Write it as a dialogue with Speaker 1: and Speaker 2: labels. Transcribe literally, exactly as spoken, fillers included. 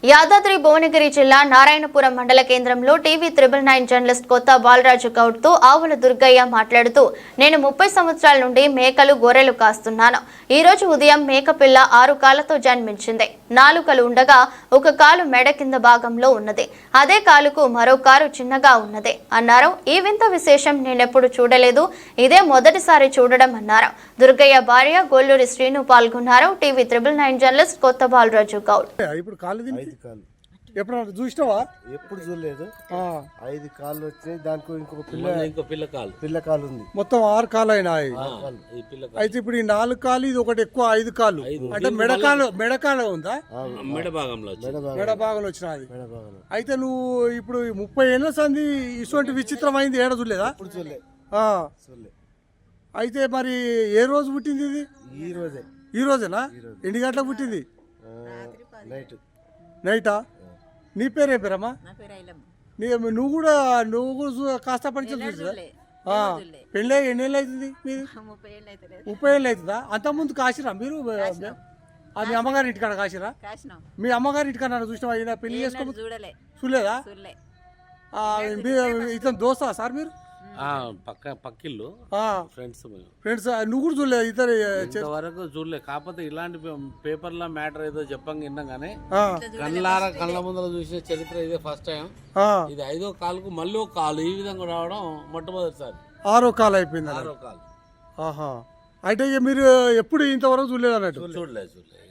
Speaker 1: యాదాద్రి భువనగిరి జిల్లా నారాయణపురం మండల కేంద్రంలో టీవీ త్రిబుల్ నైన్ జర్నలిస్ట్ కొత్త బాలరాజు గౌడ్ తో ఆవుల దుర్గయ్య మాట్లాడుతూ నేను ముప్పై సంవత్సరాల నుండి మేకలు గొర్రెలు కాస్తున్నాను. ఈ రోజు ఉదయం మేకపిల్ల ఆరు కాళ్లతో జన్మించింది. నాలుకలు ఉండగా ఒక కాలు మెడ కింద భాగంలో ఉన్నది. అదే కాలుకు మరో కారు చిన్నగా ఉన్నది అన్నారు. ఈ వింత విశేషం నేనెప్పుడు చూడలేదు, ఇదే మొదటిసారి చూడడం అన్నారు. దుర్గయ్య భార్య గొల్లూరి శ్రీను పాల్గొన్నారు. టీవీ త్రిబుల్ నైన్ జర్నలిస్ట్ కొత్త బాలరాజు గౌడ్.
Speaker 2: ఎప్పుడు చూసినావా?
Speaker 3: ఎప్పుడు చూడలేదు. ఐదు కాళ్ళు వచ్చినాయి, దానికి ఇంకొక పిల్ల
Speaker 4: ఇంకో పిల్ల కాలు
Speaker 3: పిల్ల కాలు ఉంది.
Speaker 2: మొత్తం ఆరు కాళ్ళు అయినాయి. అయితే ఇప్పుడు ఈ నాలుగు కాళ్ళు, ఇది ఒకటి ఎక్కువ ఐదు కాళ్ళు. అంటే మెడకాలు మెడకాలు ఉందా?
Speaker 4: మెడ భాగంలో
Speaker 2: మెడ భాగంలో వచ్చినది. అయితే నువ్వు ఇప్పుడు ముప్పై ఏళ్ళ సంది ఇటువంటి విచిత్రమైంది ఏడ చూడలేదా? అయితే మరి ఏ రోజు పుట్టింది ఇది?
Speaker 3: ఈ రోజే.
Speaker 2: ఈ రోజేనా? ఎన్ని గంటలకు పుట్టింది?
Speaker 3: నైట్.
Speaker 2: నైటా? నీ పేరే పేరమ్మా? నువ్వు కూడా నువ్వు కూడా కాస్త పరిచయం చూసా? పెళ్ళి ఎన్నేళ్ళు అవుతుంది మీది? ముప్పై ఏళ్ళు అవుతుందా? అంత ముందు కాసిరా మీరు? మీ అమ్మగారి ఇంటికాడ కాసిరా? మీ అమ్మగారి ఇంటికాడ చూసినా అయినా పెళ్లి చేసుకో చూడలేదా? ఇతను దోస్తా సార్ మీరు?
Speaker 4: పక్క పక్కిళ్ళు ఫ్రెండ్స్
Speaker 2: ఫ్రెండ్స్. నువ్వు కూడా చూడలేదు? ఇద్దరు
Speaker 4: ఇంతవరకు చూడలేదు. కాకపోతే ఇలాంటి పేపర్ల మ్యాటర్ ఏదో చెప్పంగా విన్నాం కానీ కళ్ళార కళ్ళ ముందర చూసిన చరిత్ర ఇదే ఫస్ట్ టైం. ఇది ఐదో కాలుకు మళ్ళీ ఒక కాలు ఈ విధంగా రావడం మొట్టమొదటిసారి.
Speaker 2: ఆరో కాలు అయిపోయింది.
Speaker 4: ఆరో కాలు.
Speaker 2: ఆహా. అయితే మీరు ఎప్పుడు ఇంతవరకు చూడలేదు అన్నట్టు?
Speaker 4: చూడలేదు చూడలేదు